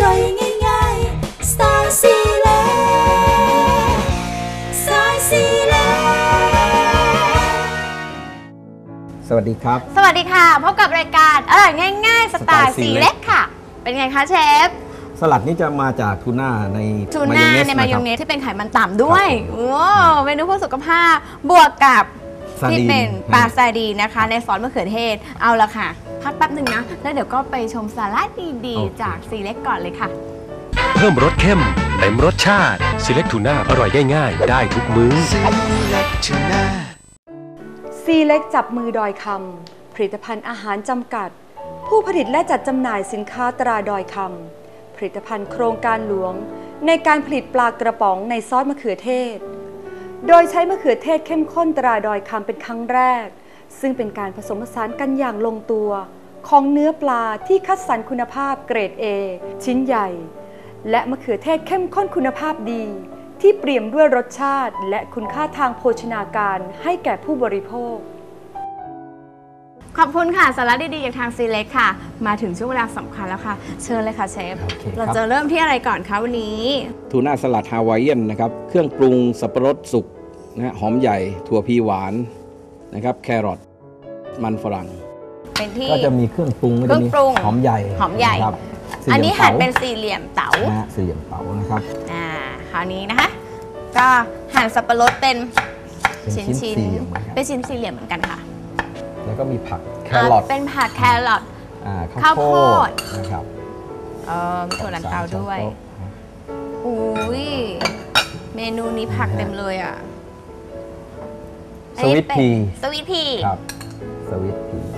ร่อยง่ายๆสไตล์ซีเล็กสไตล์ซีเล็กสวัสดีครับสวัสดีค่ะพบกับรายการอร่อยง่ายๆสไตล์ซีเล็กค่ะเป็นไงคะเชฟสลัดนี้จะมาจากทูน่าในมายองเนสที่เป็นไขมันต่ำด้วยโอ้เมนูเพื่อสุขภาพบวกกับที่เป็นปลาซาดีนะคะในซอสมะเขือเทศเอาละค่ะพักแป๊บหนึ่งนะแล้วเดี๋ยวก็ไปชมสลัดดีๆจากซีเล็กก่อนเลยค่ะเพิ่มรสเข้มเต็มรสชาติซีเล็กทูน่าอร่อยง่ายๆได้ทุกมื้อซีเล็กทูน่าซีเล็กจับมือดอยคำผลิตภัณฑ์อาหารจำกัดผู้ผลิตและจัดจำหน่ายสินค้าตราดอยคำผลิตภัณฑ์โครงการหลวงในการผลิตปลากระป๋องในซอสมะเขือเทศโดยใช้มะเขือเทศเข้มข้นตราดอยคำเป็นครั้งแรกซึ่งเป็นการผสมผสานกันอย่างลงตัวของเนื้อปลาที่คัดสรรคุณภาพเกรด A ชิ้นใหญ่และมะเขือเทศเข้มข้นคุณภาพดีที่เปี่ยมด้วยรสชาติและคุณค่าทางโภชนาการให้แก่ผู้บริโภคขอบคุณค่ะสาระดีๆจากทางซีเล็กค่ะมาถึงช่วงเวลาสำคัญแล้วค่ะเชิญเลยค่ะเชฟเราจะเริ่มที่อะไรก่อนคะวันนี้ทูน่าสลัดฮาวายเอียนนะครับเครื่องปรุงสับปะรดสุกนะหอมใหญ่ถั่วพีหวานนะครับแครอทมันฝรั่งเป็นที่ก็จะมีเครื่องปรุงก็จะมีหอมใหญ่ครับอันนี้หั่นเป็นสี่เหลี่ยมเต๋าสี่เหลี่ยมเต๋านะครับคราวนี้นะคะก็หั่นสับปะรดเป็นชิ้นเป็นชิ้นสี่เหลี่ยมเหมือนกันค่ะแล้วก็มีผักแครอทเป็นผักแครอทข้าวโพดนะครับมีถั่วลันเตาด้วยอุ้ยเมนูนี้ผักเต็มเลยอ่ะสวิตพีครับสวิตพี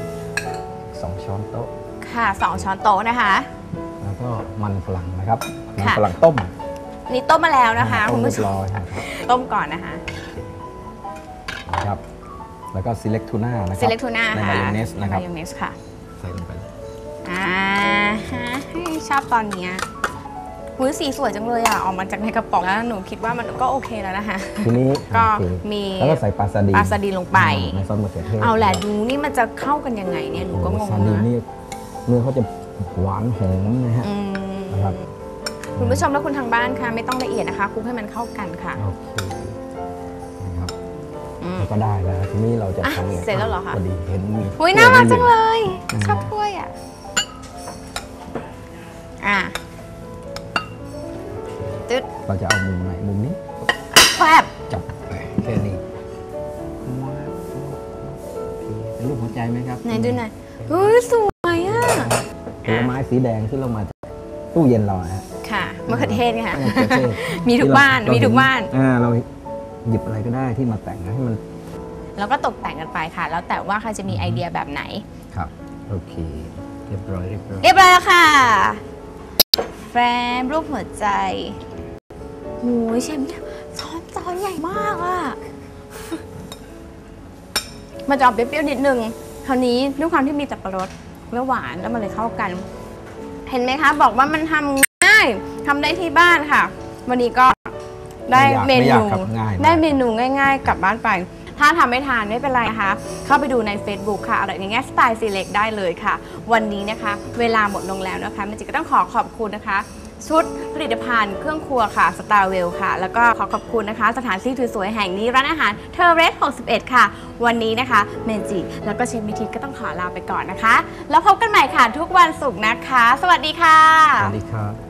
2 ช้อนโต๊ะค่ะ2 ช้อนโต๊ะนะคะแล้วก็มันฝรั่งนะครับมันฝรั่งต้มนี่ต้มมาแล้วนะคะคุณผู้ชมต้มก่อนนะคะครับแล้วก็ซีเล็กทูน่านะครับในมายองเนสนะครับมายองเนสค่ะใส่ลงไปชอบตอนนี้สีสวยจังเลยอ่ะออกมาจากในกระป๋องแล้วหนูคิดว่ามันก็โอเคแล้วนะคะทีนี้ก็มีแล้วก็ใส่ปลาซาดีลงไปในซอสมะเขือเทศเอาแหละดูนี่มันจะเข้ากันยังไงเนี่ยหนูก็งงนะเนื้อเขาจะหวานหอมนะฮะนะครับคุณผู้ชมและคุณทางบ้านค่ะไม่ต้องละเอียดนะคะคลุกให้มันเข้ากันค่ะโอเคนะครับก็ได้แล้วทีนี้เราจะทำเสร็จแล้วเหรอคะพอดีเห็นมีน่ารักจังเลยชอบถ้วยอ่ะเราจะเอามุมไหนมุมนี้แฟบจับแค่นี้เป็นรูปหัวใจไหมครับไหนดูหน่อยสวยอ่ะผลไม้สีแดงที่เรามาตู้เย็นเราฮะค่ะมะเขือเทศค่ะมีทุกบ้านเราหยิบอะไรก็ได้ที่มาแต่งให้มันแล้วก็ตกแต่งกันไปค่ะแล้วแต่ว่าใครจะมีไอเดียแบบไหนครับโอเคเรียบร้อยแล้วค่ะแฟมรูปหัวใจโอ้ยเชฟเนี่ยจานใหญ่มากอ่ะมันจะออกเปรี้ยวๆนิดนึงคราวนี้ด้วยความที่มีสับปะรดและหวานแล้วมันเลยเข้ากันเห็นไหมคะบอกว่ามันทำง่ายทำได้ที่บ้านค่ะวันนี้ก็ได้เมนูง่ายๆกลับบ้านไปถ้าทำไม่ทานไม่เป็นไรนะคะเข้าไปดูใน Facebook ค่ะอร่อยง่ายๆสไตล์ซีเล็กได้เลยค่ะวันนี้นะคะเวลาหมดลงแล้วนะคะมันจิก็ต้องขอบคุณนะคะชุดผลิตภัณฑ์เครื่องครัวค่ะสตาร์เวลค่ะแล้วก็ขอบคุณนะคะสถานที่สวยๆแห่งนี้ร้านอาหารเทอร์เรส61ค่ะวันนี้นะคะเมจิแล้วก็เชฟมิทิก็ต้องขอลาไปก่อนนะคะแล้วพบกันใหม่ค่ะทุกวันศุกร์นะคะสวัสดีค่ะสวัสดีครับ